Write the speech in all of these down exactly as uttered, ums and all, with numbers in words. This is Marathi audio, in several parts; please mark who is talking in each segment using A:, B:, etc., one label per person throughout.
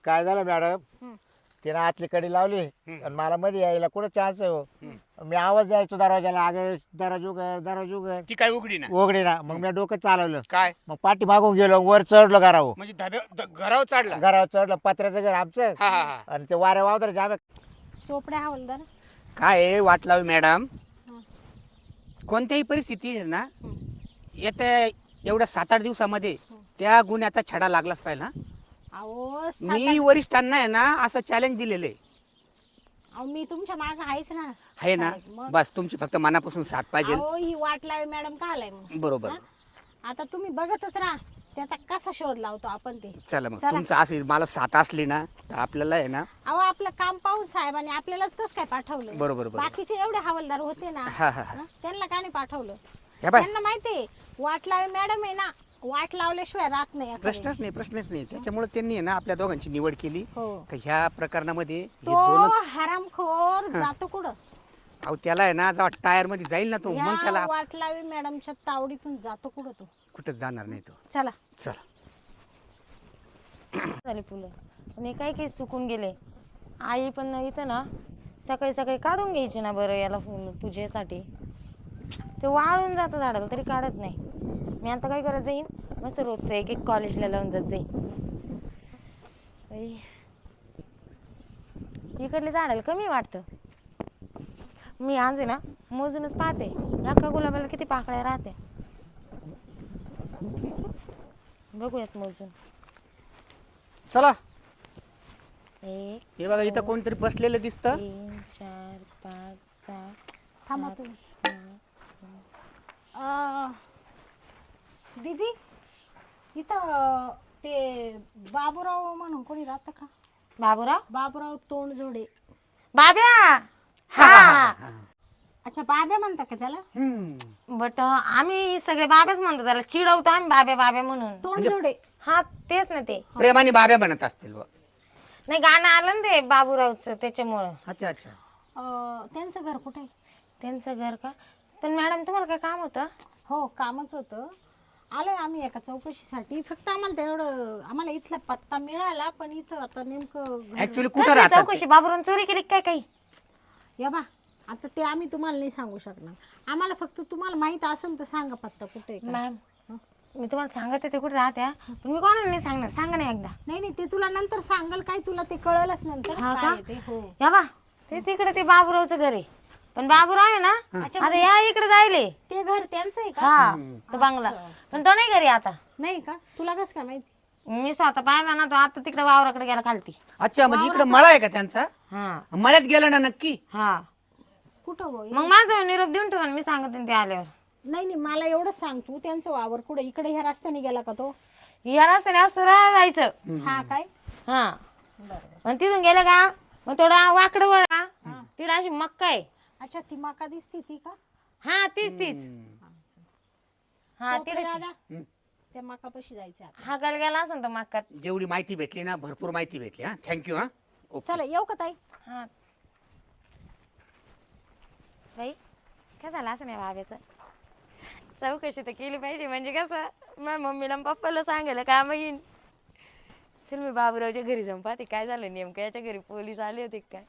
A: काय झालं मॅडम,
B: हं.
A: तिने आतली कडी लावली आणि मला मध्ये यायला कुठं चान्स आहे हो. मी आवाज द्यायचो दरवाजाला, अगं दरवाज उघड दरवाज उघड,
C: ती काय उघडी ना
A: उघडे ना. मग मी डोकं चालवलं,
C: काय
A: मग पाठी मागून गेलो, वर चढलो घरावर.
C: म्हणजे धाब्या ध- घरावर चढला
A: घरावर चढलं, पत्र्याचं घर आमचं,
C: हा हा हा
A: आणि ते वाऱ्या वावदर जामे.
B: चोपड्या हवालदार.
C: काय आहे वाट लावी मॅडम,
B: हं.
C: कोणत्याही परिस्थिती आहे ना
B: हं.
C: येत्या एवढ्या सात आठ दिवसामध्ये त्या गुन्ह्याचा छडा लागलाच पाहिजे ना.
B: अहो सात
C: मी
B: आठ-
C: वरिष्ठांना आहे ना असं चॅलेंज दिलेलं आहे
B: अहो मी तुमच्या माग आहेच ना.
C: आहे ना.
B: साहेब, मग
C: बस तुमची फक्त मनापासून साथ पाहिजे.
B: अहो ही वाट लावे मॅडम का आलाय मग?
C: बरोबर.
B: हा? आता तुम्ही बघतच राहा त्याचा कसा शोध लावतो आपण ते.
C: चला मग
B: चला.
C: तुमचं असं मला साथ असली ना तर आपल्याला आहे ना.
B: अहो आपलं काम पाहून साहेबांनी आपल्यालाच कसं काय पाठवलं?
C: बरोबर, बरोबर.
B: बाकीचे एवढे हवालदार होते ना,
C: हा, हा, हा.
B: हं? त्यांना का नाही पाठवलं?
C: ह्या बाय
B: त्यांना माहितीये वाट लावे मॅडम आहे ना, वाट लावल्याशिवाय राहत नाही एखादी.
C: प्रश्नच नाही प्रश्नच नाही त्याच्यामुळे त्यांनी आहे ना आपल्या दोघांची निवड केली.
B: हो.
C: का ह्या प्रकरणामध्ये हे
B: तो
C: दोनच.
B: हरामखोर जातो कुठं?
C: अहो त्याला आहे ना जेव्हा टायर मध्ये जाईल ना तो मग त्याला
B: ह्या वाट लावे मॅडमच्या तावडीतून जातो कुठं तो?
C: कुठं जाणार नाही तो.
B: चला.
C: चला.
D: झाले फुलं आणि काही काही सुकून गेले. आई पण इथं ना सकाळी सकाळी काढून घ्यायची ना बरं याला फुल पूजेसाठी. ते वाळून जातं झाडाला तरी काढत नाही. मी आता काय करत जाईन, मस्त रोजचं एक एक कॉलेजला लावून जात जाईन. बाई, इकडले झाडाला कमी वाटतं. मी आज आहे ना मोजूनच पाहते एका गुलाबाला किती पाकळ्या राहत्या. बघूयात मोजून.
C: चला.
D: एक
C: हे बघा इथं कोणतरी बसलेलं दिसतं.
D: तीन चार पाच सहा
B: थांबा
D: सात,
B: तुम्ही.
D: आठ.
B: अं, दीदी इथं ते बाबूराव म्हणून कोणी राहतं का?
D: बाबूराव
B: बाबूराव तोंडजोडे.
D: बाब्या. हा
B: अच्छा बाब्या म्हणता का त्याला?
C: हम्म.
D: बट आम्ही सगळे बाब्याच म्हणतो त्याला, चिडवतो आम्ही बाब्या बाब्या म्हणून.
B: तोंडजोडे.
D: हा तेच ना ते.
C: प्रेमाने बाब्या म्हणत असतील बा.
D: नाही गाणं आलं ना ते बाबूरावचं त्याच्यामुळं.
C: अच्छा अच्छा.
B: अं, त्यांचं घर कुठे आहे?
D: त्यांचं घर का? पण मॅडम तुम्हाला काय काम होतं?
B: हो कामच होतं. आलोय आम्ही एका चौकशीसाठी. फक्त आम्हाला तेवढं आम्हाला इथला पत्ता मिळाला, पण इथं आता नेमकं घर-
C: ऍक्च्युली कुठं
D: कसली
C: राहतात
D: चौकशी? बाबूराव चोरी केली काय काही?
B: या बा आता ते आम्ही तुम्हाला नाही सांगू शकणार. आम्हाला फक्त तुम्हाला माहित असेल तर सांगा पत्ता कुठे आहे का.
D: मॅम मी तुम्हाला सांगते ते कुठे राहत्या, पण मी कोणाला नाही सांगणार. सांगा ना एकदा.
B: नाही नाही ते तुला नंतर सांगाल, काय तुला ते कळलंच नंतर
D: हा
B: काय
D: का?
B: आहे ते. हो
D: या बा ते तिकडे ते बाबूरावचं घर आहे. पण बाबूराव आहे ना आता या इकडे जायले.
B: ते घर त्यांचं आहे का?
D: हा तो बंगला. पण तो नाही घरी आता.
B: नाही का? तुला कसं काय माहिती?
D: मी स्वतः पाहिला ना तो आता तिकडे वावराकडे गेला खालती.
C: अच्छा म्हणजे इकडे मळा आहे का त्यांचा?
D: हा
C: मळ्यात गेला ना नक्की.
D: हा
B: कुठं हो?
D: मग माझं निरोप देऊन ठेवा मी सांगते ते आल्यावर.
B: नाही नाही मला एवढंच सांग तू, त्यांचं वावर कुठे? इकडे ह्या रस्त्याने गेला का तो?
D: या रस्त्याने असं सरळ जायचं.
B: हा काय?
D: हा
B: बरोबर.
D: आणि तिथून गेलं का मग थोडा वाकडं वळा, तिकडे अशी मक्का आहे.
B: अच्छा ती मका दिसती ती का?
D: हा तीच तीच. हा
B: चौकडे
D: तिकडे
B: दादा त्या मकापाशी जायचं आपण.
D: हा गल गेला असं तर मक्कात.
C: जेवढी माहिती भेटली ना भरपूर माहिती भेटली. हा थँक्यू. हा ओके.
B: चला येऊ का ताई?
D: हा बाई काय झालं असं नाही बाब्याचं. चौकशी तर केली पाहिजे म्हणजे कसं माझ्या मम्मीला आणि पप्पाला सांगायला काम येईन. चल मी बाबूरावच्या घरी जाऊन पाहते काय झालं नेमकं. याच्या घरी पोलीस आले होते काय.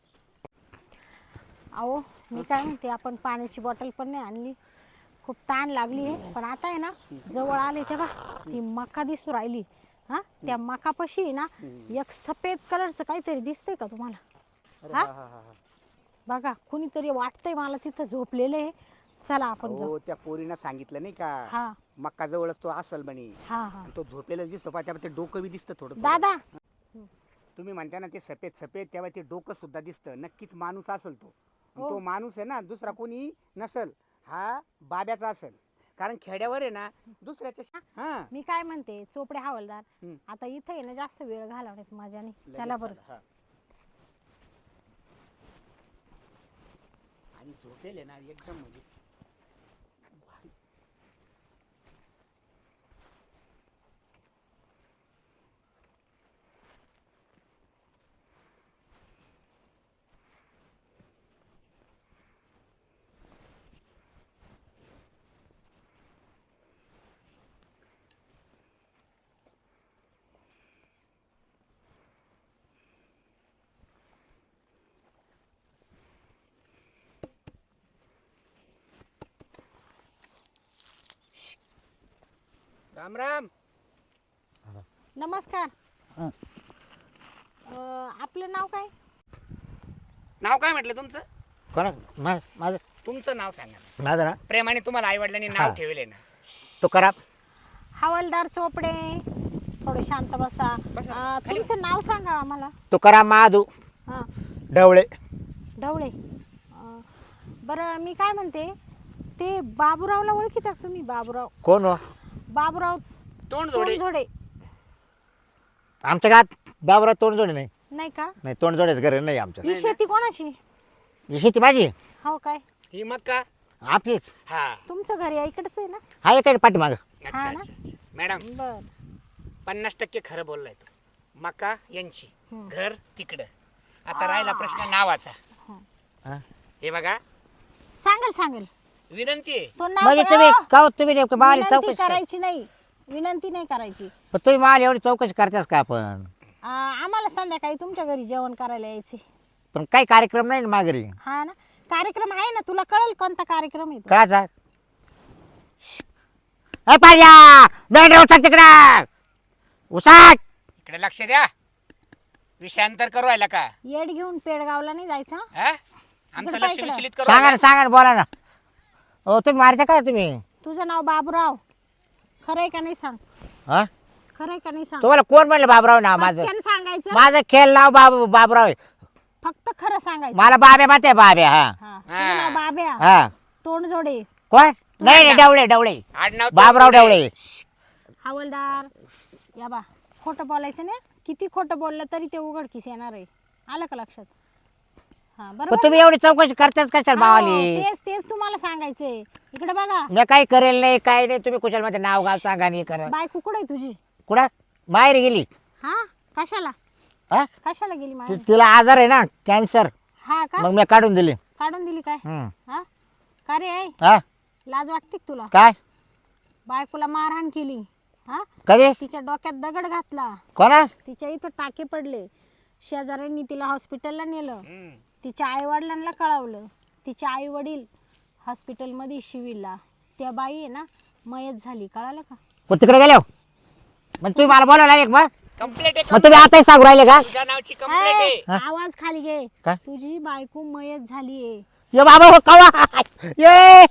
B: अहो मी काय म्हणते, आपण पाण्याची बॉटल पण नाही आणली, खूप ताण लागली आहे. पण आता आहे ना जवळ आले तेव्हा ती मका दिसू राहिली. हा त्या मकापाशी आहे ना एक सफेद कलरचं काहीतरी दिसतंय का तुम्हाला? हा बघा कुणीतरी वाटतंय मला तिथं झोपलेलं आहे. चला आपण जाऊ.
C: हो त्या पोरीनं सांगितलं नाही का
B: हा
C: मक्का जवळच तो असल म्हणे.
B: हा हा
C: आणि तो झोपेलाच दिसतो पहा त्यामुळे ते डोकं बी दिसतं थोडं थोडं.
B: दादा
C: तुम्ही म्हणता ना ते सफेद सफेद तेव्हा ते डोकं सुद्धा दिसतं. नक्कीच माणूस असेल तो. आणि
B: हो.
C: तो माणूस आहे ना दुसरा कोणी नसल, हा बाब्याचा असेल. कारण खेड्यावर आहे ना दुसऱ्याच्या हा
B: मी काय म्हणते चोपडे हवालदार,
C: हम्म.
B: आता इथं आहे ना जास्त वेळ घालवण्यात माझ्याने.
C: लगेच
B: चला बरं.
C: हा. आणि झोपेल आहे ना एकदम म्हणजे राम राम.
B: नमस्कार.
A: हं.
B: अं, आपलं नाव काय?
C: नाव काय म्हटलं तुमचं?
A: कोणा मा- माझं
C: तुमचं नाव सांगा ना.
A: माझं ना
C: प्रेमाने तुम्हाला आई वडिलांनी
A: हा.
C: नाव ठेवले ना.
A: तो करा.
B: हवालदार चोपडे. थोडे शांत बसा. अं, तुमचं नाव सांगा आम्हाला.
A: तो करा महादू
B: हां
A: ढवळे.
B: ढवळे. अं, बरं मी काय म्हणते, ते बाबूरावला ओळखीता का तुम्ही? बाबूराव
A: कोण हो?
B: बाबूराव
C: तोंड जोडे.
B: तोंडझोडे.
A: आमच्या गावात बाबरा तोंडजोडे नाही.
B: नाही का?
A: नाही तोंडजोडेच घर नाही आमचं.
B: ही शेती कोणाची?
A: ही शेती माझी
B: हो काय?
C: ही मग का?
A: आपलीच.
C: हा.
B: तुमचं घर या इकडच आहे ना?
A: हा एक पाठीमाग.
C: अच्छा
B: हा ना?
C: अच्छा. मॅडम
B: बर.
C: पन्नास टक्के खरं बोललाय तो. मका यांची,
B: हं.
C: घर तिकडं. आता राहिला प्रश्न नावाचा.
A: हा.
C: हे बघा,
B: सांगेल सांगेल.
C: विनंती आहे.
B: तो नाव
A: म्हणजे
B: बघा.
A: तुम्ही का हो, तुम्ही नेमकं मला
B: विनंती
A: चौकशी करा.
B: करायची नाही. विनंती नाही करायची.
A: पण तुम्ही मला एवढी चौकशी करतास का आपण?
B: आ, आम्हाला संध्याकाळी तुमच्या घरी जेवण करायला यायचे.
A: पण काही कार्यक्रम नाही ना माघारी.
B: हा ना? कार्यक्रम आहे ना, तुला कळेल कोणता कार्यक्रम आहे तो.
A: काचा ए पाहिजा नाही उचक तिकडं उसाट.
C: इकडे लक्ष द्या. विषयांतर करू राहिला का?
B: येड घेऊन पेडगावला नाही जायचं हं?
C: हा? आमचं
B: इकडं
C: लक्ष
B: पाय इकडं.
C: विचलित करू
A: सांगा ना
C: राहिला?
A: सांगा ना बोला ना. हो तुम्ही मारता काय तुम्ही?
B: तुझं नाव बाबूराव. खरंय का नाही सांग?
A: हा
B: खरंय का नाही सांग?
A: तुम्हाला कोण म्हणलं बाबराव नाव माझं?
B: पटकन सांगायचं.
A: माझं खेळ नाव बाबू बाबराव आहे.
B: फक्त खरं सांगायचं.
A: मला बाब्या माहिती बाब्या. हा
B: हा. तुझं नाव बाब्या.
A: हा
B: तोंडजोडे.
A: कोण? नाही नाही डवळे डवळे
C: आडनाव
A: बाबराव
C: तोंडजोडे.
A: डवळे.
B: हवालदार या बा, खोटं बोलायचं नाही. किती खोटं बोललं तरी ते उघडकीस येणार आहे. आलं का लक्षात? हा
A: पण
B: बरोबर.
A: तुम्ही एवढी चौकशी करताच कशाला
B: हो,
A: मावाली?
B: तेच तेच तुम्हाला सांगायचंय. इकडे बघा.
A: मी काही करेल नाही काही नाही. तुम्ही कुशाल मध्ये नाव गाव सांगा नाही करा.
B: बायको कुठे आहे तुझी?
A: कुठं बाहेर गेली.
B: हा कशाला?
A: हा
B: कशाला गेली
A: ति-
B: माहेर?
A: तिला आजार आहे ना कॅन्सर.
B: हा का?
A: मग मी काढून दिली.
B: काढून दिली काय?
A: हम्म.
B: हा का रे आई?
A: हा
B: लाज वाटते का तुला?
A: काय
B: बायकोला मारहाण केली. हा
A: कधी
B: तिच्या डोक्यात दगड घातला.
A: कोणा?
B: तिच्या इथं टाके पडले. शेजाऱ्यांनी तिला हॉस्पिटलला नेलं.
C: हम्म.
B: तिच्या आई वडिलांना कळवलं. तिचे आई वडील हॉस्पिटलमध्ये शिविरला. त्या बाई आहे ना मयत झाली. कळालं का?
A: पण तिकडे गेलो मग तुम्ही मला बोलावला एक मग
C: कंप्लेंट आहे.
A: मग तुम्ही आताही सांगू राहिले का?
C: तुझ्या नावची कंप्लेंट आहे.
B: ए, आवाज खाली घे.
A: काय?
B: तुझी बायको मयत झालीये.
A: ये बाबा हो कवा ये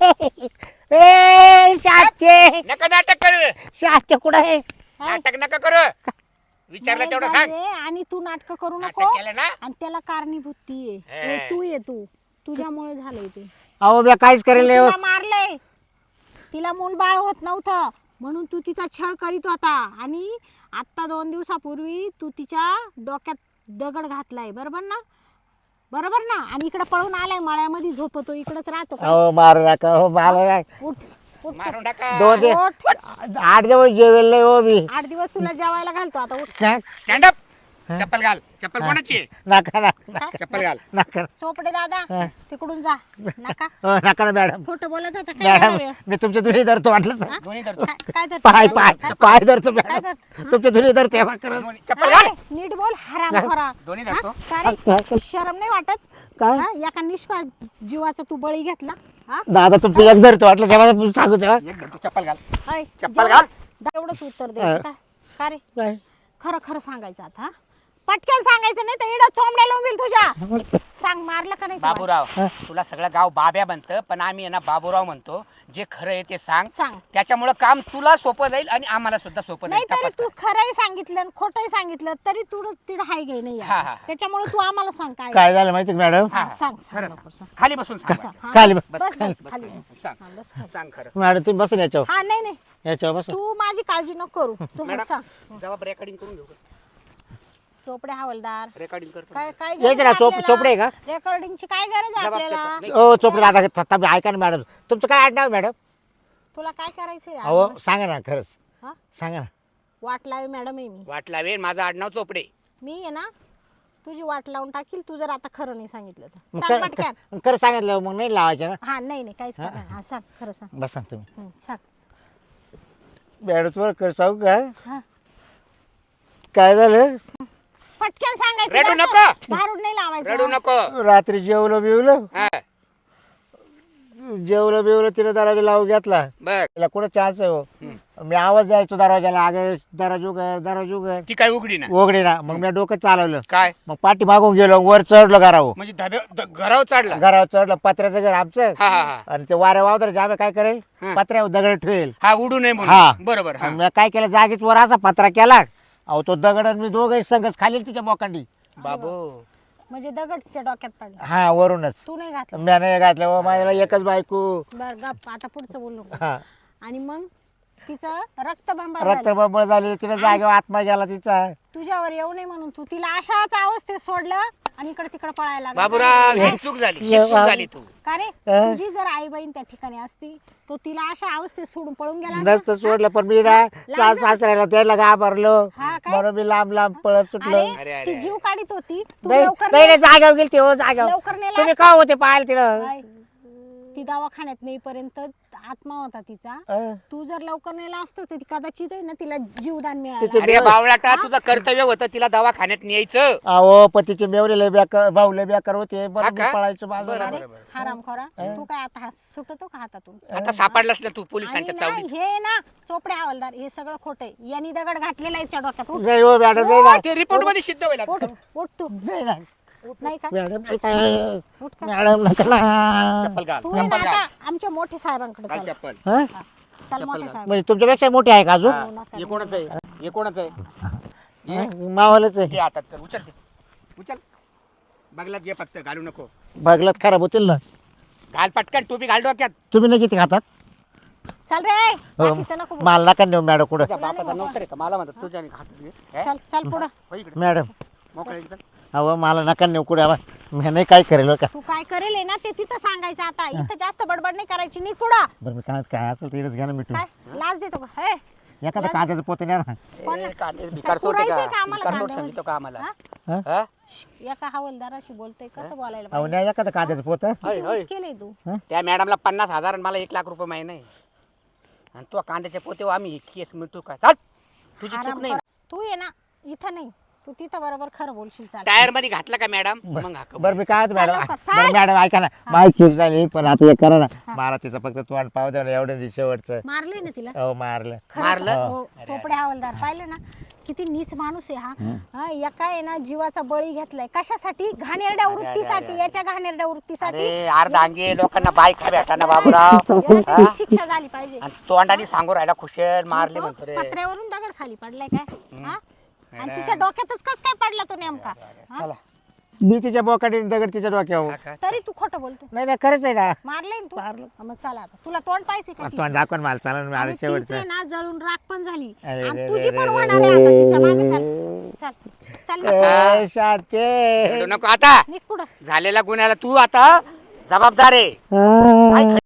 A: ए शास्ते
C: नका नाटक करू.
A: शास्ते कुठं आहे?
C: नाटक नका करू. विचारलं
B: मयत
C: तेवढं सांग.
B: झालीये आणि तू नाटक करू नको.
C: नाटक केलं ना?
B: आणि त्याला कारणीभूत ती आहे.
C: हे.
B: हे तू ये तू तुझ्यामुळे झालंय ते.
A: अहो मी काहीच करेल नाही हो.
B: तिला मारलंय. तिला मूल बाळ होत नव्हतं म्हणून तू तिचा छळ करीत होता. आणि आता दोन दिवसापूर्वी तू तिच्या डोक्यात दगड घातलाय. बरोबर ना? बरोबर ना? आणि इकडे पळून आलाय मळ्यामध्ये झोपतो. इकडेच राहतो का?
A: अहो मारू नका हो मारू नका.
B: उठ उठ.
C: मारू नका.
A: दोन दिवस
B: उठ.
A: आठ दिवस जेवेल नाही हो मी.
B: आठ दिवस तुला जेवायला घालतो आता. उठ.
A: काय?
C: Stand up. चप्पल घाल. चप्पल कोणाची आहे?
A: नका नका
B: काय?
C: चप्पल घाल.
A: नका
B: चोपडे दादा
A: हा.
B: तिकडून जा. नका
A: हो, नका ना मॅडम.
B: खोटं बोलत होता काय
A: मॅडम
B: वेळ?
A: मी तुमच्या दुरी धरतो वाटलं तर.
B: हा?
C: दोन्ही धरतो.
B: काय- काय धरतो?
A: पाय पाय
B: काय-
A: पाय धरतो
B: काय
A: मॅडम.
B: धरतो?
A: तुमच्या दुरी धरतो तेव्हा करत.
C: दोन्ही. चप्पल घाल.
B: अरे, नीट बोल हराम खोरा.
C: दोन्ही
B: हा?
C: धरतो.
B: का रे? शरम नाही वाटत?
A: काय?
B: हा? एका निष्पा जीवाचा तू बळी घेतला. हा?
A: दादा तुमचं एक धरतो वाटलं तेव्हा सांगू तेव्हा.
C: एक धरतो. चप्पल घाल.
B: अय,
C: चप्पल
B: जेवढं-
C: घाल.
B: दा- एवढंच उत्तर द्यायचं
A: हा.
B: का? का रे?
A: काय?
B: खरं खरं सांगायचं आता. हा? पटकन सांगायचं नाही तर इडं चोंबड्याला उभील तुझ्या. सांग मारलं का नाही तुला?
C: बाबूराव तुला सगळं गाव बाब्या म्हणतं पण आम्ही आहे ना बाबूराव म्हणतो. जे खरं आहे ते सांग.
B: सांग.
C: त्याच्यामुळे काम तुला सोपं जाईल आणि आम्हाला सुद्धा सोपं
B: नाही
C: जाईल.
B: तरी
C: तपास
B: तू खरंही सांगितलं आणि खोटंही सांगितलं तरी तू तिड हाय गे नाही
C: हा, हा.
B: त्याच्यामुळे तू आम्हाला सांग काय.
A: काय झालं माहिती का मॅडम?
C: हा,
B: हा, सांग सांग
C: खरं
B: लवकर
C: सांग.
B: सांग.
C: खाली बसून सांग.
B: हा,
A: खाली
B: बस,
A: बस,
B: बस,
A: खाली.
B: बस, खाली.
C: सांग.
B: हा, बस खाली.
C: सांग खरं.
A: मॅडम तुम्ही बसून याच्यावर
B: हा नाही नाही
A: याच्यावर बस.
B: तू माझी काळजी नको करू. तू
C: मॅडम
B: सांग.
C: जबाब रेकॉर्डिंग करून घेऊ.
B: चोपडे हवालदार
C: रेकॉर्डिंग करतो.
B: काय काय
A: यायचं ना चोप चोपडे आहे का?
B: रेकॉर्डिंगची काय गरज आहे
C: जबाब
B: आपल्याला?
C: त्याचा. नाही.
A: ओ चोपडे दादा तुम्ही ऐका ना मॅडम. तुमचं काय आडनाव मॅडम?
B: तुला काय करायचंय
A: अहो सांगा ना खरंच
B: हा?
A: सांगा ना.
B: वाट लावे मॅडम आहे मी.
C: वाट लावेल. माझं आडनाव चोपडे.
B: मी आहे ना तुझी वाट लावून टाकील तू जर आता खरं नाही सांगितलं तर.
A: मग
B: सांग
A: खरं-
B: पटकन.
A: खरं खरं सांगितलं मग नाही लावायचं ना.
B: हा नाही नाही काहीच करणार. हा सांग खरं सांग.
A: बस सांग तुम्ही.
B: हं, सांग.
A: मॅडम तुम्हाला खरं सांगू का
B: हा.
A: काय झालं?
B: पटकन सांगायचं.
C: रडू
B: बरं
C: नको.
B: का? भारूड नाही लावायचं.
C: रडू नको.
A: रात्री जेवलं बिवलं
C: हा,
A: जेवलं बिवलं तिने दराजा लावून घेतला.
C: बर
A: तिला कुठं चान्स आहे हो. मी आवाज द्यायचो दरवाजाला, अगे दरवाज उघड दरवाज उघड,
C: ती काय उघडी ना
A: उघडे ना. मग मी डोकं चालवलं,
C: काय
A: मग पाठी मागून गेलो, वर चढलो घरावर.
C: म्हणजे धाब्या द- घरावर चढला
A: घरावर चढलं, पत्र्याचं घर आमचं,
C: हा हा हा
A: आणि ते वाऱ्या वावदर जामे काय करेल,
C: हा.
A: पत्र्यावर दगड ठेवेल.
C: हा उडू नये
A: हा.
C: म्हणून बरोबर हा
A: मी काय केलं, जागीच वर असा पत्रा केला, अहो तो दगड आणि मी दोघं संघच खाली तिच्या मोकांडी.
C: बाबू
B: म्हणजे दगड तिच्या डोक्यात पडला,
A: हा वरूनच
B: तू नाही घातला.
A: मी नाही घातलं. हो, माझ्याला एकच बायको.
B: बर गप, आता पुढचं बोलू नको.
A: हा
B: आणि मग तिचं रक्तबंबाळ
A: रक्त
B: झालं.
A: बंबळ झाली, तिने जागेवर आत्मा गेला तिचा.
B: तुझ्यावर येऊ नये म्हणून तू तिला अशाच अवस्थेत सोडलं आणि इकडे तिकडे पळायला लागला.
C: बाबूराव ही चूक झाली ही चूक झाली तू
B: का रे,
A: अं?
B: तुझी जर आई बहीण त्या ठिकाणी असती तो तिला अशा अवस्थेत सोडून पळून गेला असता.
A: नसतं सोडलं, पण मी ना सास सासऱ्याला त्याला घाबरलो,
B: हा काय?
A: म्हणून मी लांब लांब पळत सुटलो.
B: अरे,
C: अरे, अरे,
B: ती
C: अरे.
B: जीव काढीत होती, तू
A: नाही
B: लवकर
A: नाही
B: ने-
A: नाही, जाग्यावर गेली हो जाग्यावर.
B: लवकर नेला
A: तुम्ही
B: असता.
A: का होते पाहायला तिला.
B: काय? ती दवाखान्यात नेईपर्यंत आत्मा होता तिचा.
A: अं?
B: तू जर लवकर नेला असतं तर ती कदाचित आहे ना तिला जीवदान मिळालं.
A: तिचे-
C: अरे बावळाटा तुझं कर्तव्य होतं तिला दवाखान्यात न्यायचं
A: अहो पतीचे मेवरे लय बेकार, भाऊ लय बेकार होते,
C: हा
A: बरं
C: का?
A: मी पळायचो बाजूला.
C: बरं,
B: अरे
C: बरं, बरं.
B: हरामखोरा, तू काय आता हात सुटतो का हातातून?
C: आता सापडलास ना तू
B: आणि
C: पोलिसांच्या
B: ना,
C: चावडीत
B: हे ना चोपडे हवालदार हे सगळं खोटं आहे. यांनी दगड घातलेला आहे तिच्या डोक्यात. उठ,
A: नाही हो मॅडम, नाही ना.
C: ते रिपोर्ट मध्ये सिद्ध होईल आता.
B: उठ, उठ तू.
A: नाही ना.
B: नाही का?
A: मॅडम नाही का?
B: उठ का?
A: मॅडम नका ना.
C: चप्पल घाल,
B: तू आहे ना
C: चप्पल घाल.
B: आता आमच्या मोठ्या साहेबांकडे
C: घाल
B: चल.
C: चप्पल
A: हा?
B: हा, चल मोठे साहेब.
A: म्हणजे तुमच्यापेक्षा मोठे आहे का अजून.
C: हा. हे कोणाचं आहे हे कोणाचं आहे
A: हा, मावालाच
C: घे
A: आहे.
C: हातात तर उचल ते. उचल बगलात घे फक्त घालू नको
A: बघलत खराब होतील ना.
C: घाल पटकन टोपी घाल डोक्यात
A: तुम्ही नाही किती खातात.
B: चल रे,
A: हो.
B: बाकीचं नको बोलू.
A: मला नका नेऊ मॅडम कुठं.
C: तुझ्या बापाचा नोकर आहे का मला म्हणतात तुझ्या हात घे. हे?
B: चल चल पुढं.
C: हो इकडे.
A: मॅडम
C: मोकळं इकडं.
A: अहो मला नका नेऊ कुठे. आवा मी नाही काय करेल बरं का.
B: तू काय करेल आहे ना ते तिथं सांगायचं. आता इथं जास्त बडबड नाही करायची. नी पुढं
A: बरं मी काय काय असेल तिकडेच घ्या ना मिठून.
B: काय लाज देतो का? हे
A: एखादं कांद्याचं पोते न्या ना.
B: कोण-
C: ए, कांदे भिकार सोड
B: पुरायचंय का आम्हाला
C: भिकार सोड
B: कांद्यावर?
C: सांगितलं का आम्हाला
B: हा?
A: हा?
C: हा?
B: एका हवालदाराशी बोलतोय कसं बोलायला
A: अहो
B: पाहिजे?
A: न्या एखादं कांद्याचं पोत.
C: होय, होय.
B: तूच केलंय तू.
C: त्या मॅडमला पन्नास हजार आणि मला एक लाख रुपये माहिती नाही आणि तू कांद्याचे पोते आम्ही केस मिळतो का चाल तुझी चूक नाही
B: आराम कर. तू ये ना इथं नाही, तू तिथं बरोबर खरं बोलशील. चाल
C: टायर मध्ये घातला का मॅडम मग हाक
A: बरं मी काय होतं मॅडम.
B: लवकर, चाल.
A: बरं मॅडम ऐका ना, माझी चूक झाली पण आता हे करा ना. मला तिचं फक्त तोंड पाव द्या ना एवढं दिवस शेवटचं.
B: मारले ना तिला.
A: अहो मारलं.
B: खरंच.
C: मारलं?
B: हो, सोपडे हवालदार पाहिलं ना किती नीच माणूस आहे हा. हा एका आहे ना जीवाचा बळी घेतलाय कशासाठी? घाणेरड्या वृत्तीसाठी. याच्या घाणेरड्या वृत्तीसाठी
C: अरे अर्धांगी लोकांना बायका भेटाना बाबूराव
B: याला त्याची शिक्षा झाली पाहिजे.
C: आणि तोंडाने सांगू राहिला खुशल मारले
B: तो
C: म्हणतो रे
B: पत्र्यावरून दगड खाली पडलाय काय? हा? आणि तिच्या डोक्यातच कस काय पडला तो नेमका? हा?
C: चला
A: मी तिच्या बोकाडीने दगड तिच्या डोक्यावर.
B: तरी तू खोटं बोलतो.
A: नाही नाही खरंच आहे ना.
B: मारले ना तू. हा, मग चला आता तुला तोंड पाहिजे का?
A: तोंड दाखवा ना मला, चालेल मला
B: आणि
A: शेवटचं.
B: तिचे ना जळून राख पण झाली
A: अरे
B: आणि
A: रे
B: तुझी
A: रे
B: पण
A: रे
B: होणार आहे आता तिच्या मागे. चल चल चल मग.
A: ए, शांते.
C: रडू नको आता
B: निघ पुढं.
C: झालेल्या गुन्ह्याला तू आता जबाबदार आहे
A: आ.
C: काय